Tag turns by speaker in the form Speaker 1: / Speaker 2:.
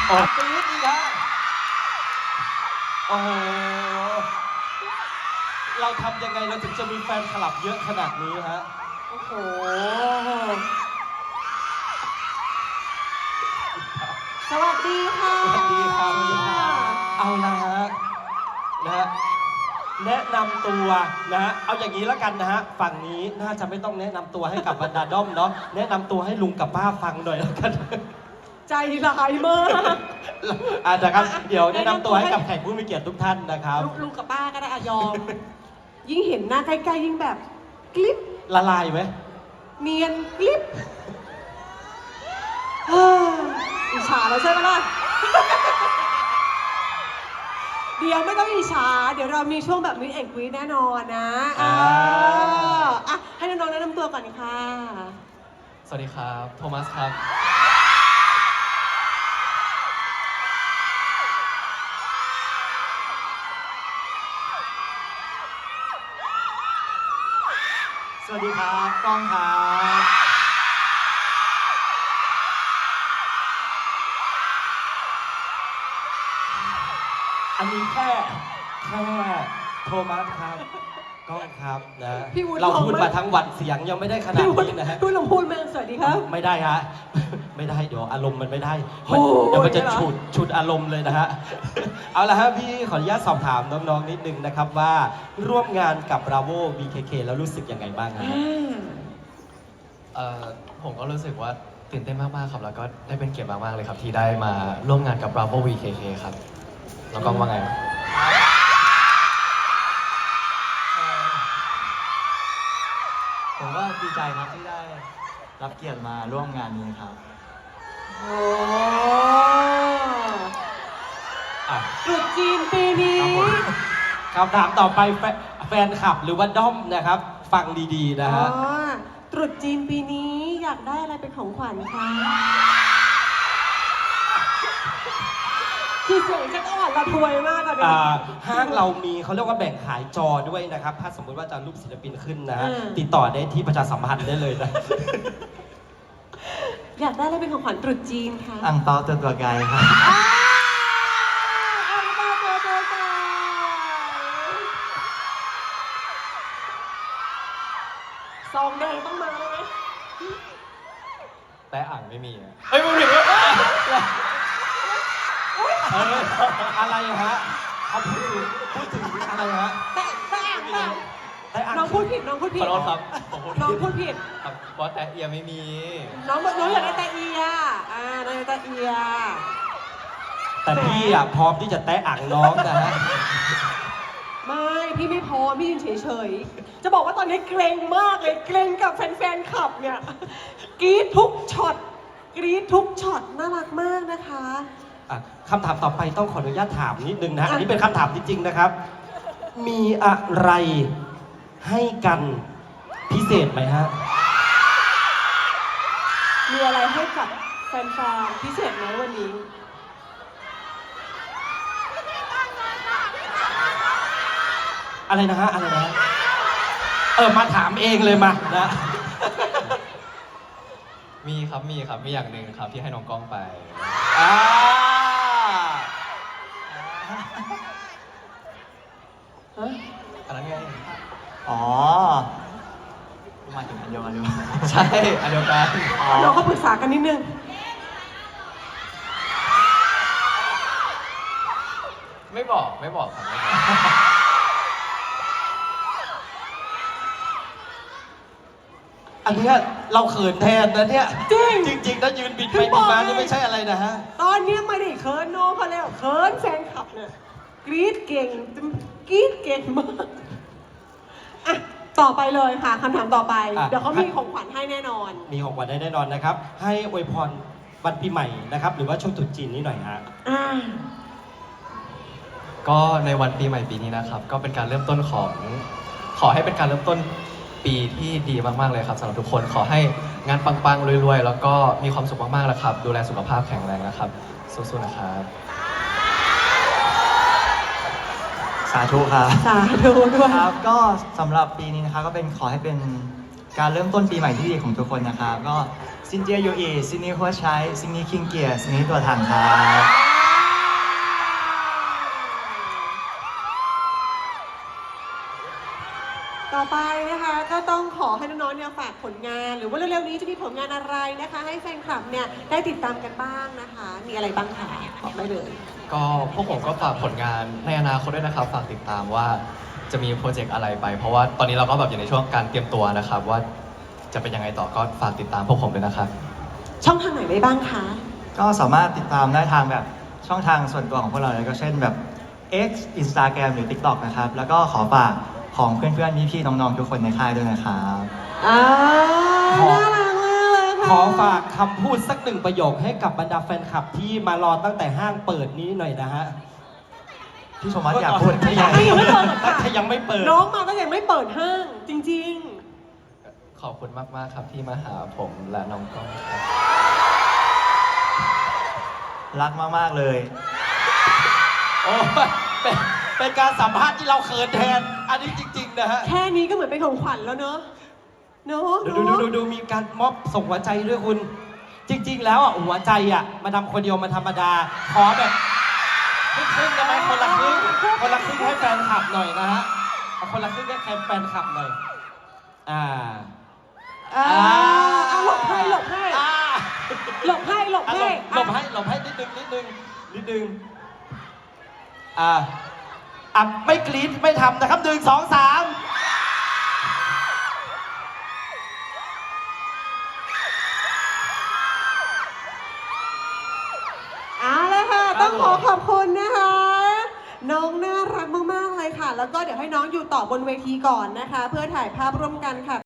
Speaker 1: ออกปี๊ดอีกฮะโอ้โหเราทำยังไงเราถึงจะมีแฟนคลับเยอะขนาดนี้ฮะโอ้โห
Speaker 2: สวัสดีค่ะ
Speaker 1: สวัสดีครับเอาละฮะนะฮะแนะนำตัวนะฮะเอาอย่างนี้แล้วกันนะฮะฝั่งนี้น่าจะไม่ต้องแนะนำตัวให้กับบรรดาด้อมเนาะแนะนำตัวให้ลุงกับป้าฟังหน่อยแล้วกัน
Speaker 2: ใจร้ายมาก
Speaker 1: นะครับเดี๋ยวแนะนำตัวให้กับแขกผู้มีเกียรติทุกท่านนะครับ
Speaker 2: ลุงกับป้าก็ได้ยอม ยิ่งเห็นหน้าใกล้ๆยิ่งแบบกลิป
Speaker 1: ละลายไหม
Speaker 2: เนียนกลิปอิจฉาแล้วใช่ไหมล่ะ เดี๋ยวไม่ต้องอิจฉาเดี๋ยวเรามีช่วงแบบมิดแอนด์กรีดแน่นอนนะให้น้องๆแนะนำตัวก่อนค่ะ
Speaker 3: สวัสดีครับโทมัสครับ
Speaker 1: สวัสดีครับก้องครับอันนี้แค่โทมัสครับก้องครับนะเราพูดมาทั้งวันเสียงยังไม่ได้ขนาดนี้นะฮะ
Speaker 2: พูดลองพูดไหมสวัสดีครับ
Speaker 1: ไม่ได้ฮะไม่ได้เดี๋ยวอารมณ์มันไม่ได้เดี๋ยวมันจะฉุดอารมณ์เลยนะฮะเอาละฮะพี่ขออนุญาตสอบถามน้องๆนิดนึงนะครับว่าร่วมงานกับ Bravo BKK แล้วรู้สึกยังไงบ้างครับ
Speaker 3: ผมก็รู้สึกว่าตื่นเต้นมากๆครับแล้วก็ได้เป็นเกียรติมากๆเลยครับที่ได้มาร่วมงานกับ Bravo BKK ครับน้องก้องว่าไง
Speaker 4: ผมก็ดีใจครับที่ได้รับเกียรติมาร่วมงานนี้ครับ
Speaker 2: โอ้ตรุษจีนปีนี้
Speaker 1: คำถามต่อไปแฟนคลับหรือว่าด้อมนะครับฟังดีๆนะฮะ
Speaker 2: ตรุษจีนปีนี้อยากได้อะไรเป็นของขวัญคะคือเสียงฉันอ่อนระทวยมากอะ
Speaker 1: ห้างเรามีเขาเรียกว่าแบ่งขายจอด้วยนะครับถ้าสมมติว่าจะรูปศิลปินขึ้นนะฮะติดต่อได้ที่ประชาสัมพันธ์ได้เลยนะ
Speaker 2: อยากได้อะไรเป็นของขวัญตรุษจีนคะ
Speaker 4: อั่งเปาตัวไกลครับ
Speaker 2: อั่งเปาตัวไกลซองแดงต้องมาไหม
Speaker 3: แต่อ่างไม่มีอ่ะ
Speaker 1: ไม่ถึงอะไรฮะเขาพูดถึงอะไรฮะ
Speaker 2: แต่น้องพูดผิดน้องพูดผิด
Speaker 3: ขอโทษครับ
Speaker 2: น้องพูดผิด
Speaker 3: ครับเพราะแต่เอียไม่มี
Speaker 2: น้องอยากได้แต่เอียน้องอยากได้แต่เอีย
Speaker 1: แต่พี่อ่ะพร้อมที่จะแตะอ่างน้องนะฮะ
Speaker 2: ไม่พี่ไม่พร้อมพี่ยืนเฉยๆจะบอกว่าตอนนี้เกรงมากเลยเกรงกับแฟนๆคลับเนี่ยกรี๊ดทุกช็อตกรี๊ดทุกช็อตน่ารักมากนะคะ
Speaker 1: คำถามต่อไปต้องขออนุญาตถามนิดนึงนะอันนี้เป็นคำถามจริงๆนะครับมีอะไรให้กันพิเศษไหมฮะ
Speaker 2: มีอะไรให้กับแฟนๆพิเศษไหมวันนี้
Speaker 1: อะไรนะฮะอะไรนะมาถามเองเลยมานะ
Speaker 3: มีครับมีอย่างหนึ่งครับที่ให้น้องก้องไปอันนั้นไง
Speaker 4: อ๋อมาถึงอันเดียวกันหรือเปล่า
Speaker 3: ใช่อันเดียวกัน
Speaker 2: เราก็ปรึกษากันนิดนึง
Speaker 3: ไม่บอกครับไม่บอก
Speaker 1: อันนี้เราเขินแทนนะเนี่ยจริงๆนะยืนบิดไปบิดมานี่ไม่ใช่อะไรนะฮะ
Speaker 2: ตอนนี้ไม่ได้เขินน้องเขาแล้วเขินแฟนคลับเนี่ยกรี๊ดเก่งมากต่อไปเลยค่ะคำถามต่อไปเดี๋ยวเขามีของขวัญให้แน่นอน
Speaker 1: มีของขวัญให้แน่นอนนะครับให้อวยพรวันปีใหม่นะครับหรือว่าช่วงตรุษจีนนี้หน่อยฮะ
Speaker 3: ก็ในวันปีใหม่ปีนี้นะครับก็เป็นการเริ่มต้นขอให้เป็นการเริ่มต้นปีที่ดีมากๆเลยครับสำหรับทุกคนขอให้งานปังๆรวยๆแล้วก็มีความสุขมากๆแล้วครับดูแลสุขภาพแข็งแรงนะครับสู้ๆนะครับ
Speaker 4: สาธุครับ
Speaker 2: สาธุด้วย
Speaker 4: ครับก็สำหรับปีนี้นะครับก็เป็นขอให้เป็นการเริ่มต้นปีใหม่ที่ดีของทุกคนนะครับก็ซินเจียยูอีซินนี่หัวใช้ซินนี่คิงเกียร์ซินนี่ตัวถังครับ
Speaker 2: ต่อไปนะคะก็ต้องขอให้น้องๆเนี่ยฝากผลงาน หรือว่าเร็วๆนี้จะมีผลงานอะไรนะคะ ให้แฟนคลับเนี่ยได้ติดตามกันบ้างนะคะ มีอะไรบ้างคะบอกได้เลย
Speaker 3: ก็พวกผมก็ฝากผลงานในอนาคตด้วยนะครับ ฝากติดตามว่าจะมีโปรเจกต์อะไรไป เพราะว่าตอนนี้เราก็แบบอยู่ในช่วงการเตรียมตัวนะครับ ว่าจะเป็นยังไงต่อก็ฝากติดตามพวกผมด้วยนะครับ
Speaker 2: ช่องทางไหนได้บ้างคะ
Speaker 4: ก็สามารถติดตามได้ทางแบบช่องทางส่วนตัวของพวกเราเลยก็เช่นแบบ X Instagram หรือ TikTok นะครับ แล้วก็ขอฝากของเพื่อนๆพี่ๆน้องๆทุกคนในค่ายด้วยนะครับ
Speaker 2: อ่า
Speaker 1: ขอ
Speaker 2: น่ารักมากเลยค่ะ
Speaker 1: ขอฝากคำพูดสักหนึ่งประโยคให้กับบรรดาแฟนคลับที่มารอตั้งแต่ห้างเปิดนี้หน่อยนะฮะ
Speaker 4: พี่ชมวัฒน์อยากพูด
Speaker 2: ไม่อยากให้ยังไม่เปิดค่ะ
Speaker 1: ถ้ายังไม่เปิด
Speaker 2: น้องมาก็ยังไม่เปิดห้าง จริง
Speaker 3: ขอบคุณมากๆครับที่มาหาผมและน้องก้องครับ
Speaker 4: รักมากๆเลย
Speaker 1: โอ้ยเป็นการสัมภาษณ์ที่เราเขินแทน อันนี้จริง ๆ นะฮะ
Speaker 2: ๆ แค่นี้ก็เหมือนเป็นของขวัญแล้วเนอะเนอะ
Speaker 1: ดูมีการมอบส่งหัวใจด้วยคุณ จริง ๆ แล้วอ่ะหัวใจอ่ะมาทำคนเดียวมันธรรมดา ขอแบบครึ่งๆได้ไหมคนละครึ่งให้แฟนคลับหน่อยนะฮะเอาคนละครึ่งให้แฟนคลับหน่อย อ่า
Speaker 2: อ่าเอาหลบให้หลบให้
Speaker 1: อ่า
Speaker 2: หลบให้หลบ
Speaker 1: อ่ะ
Speaker 2: ให้
Speaker 1: หลบให้นิดนึงอ่ะไม่กรี๊ดไม่ทำนะครับ1 2 3
Speaker 2: เอาละค่ะ ต้องขอขอบคุณนะคะ น้องน่ารักมากๆเลยค่ะ แล้วก็เดี๋ยวให้น้องอยู่ต่อบนเวทีก่อนนะคะ เพื่อถ่ายภาพร่วมกันค่ะ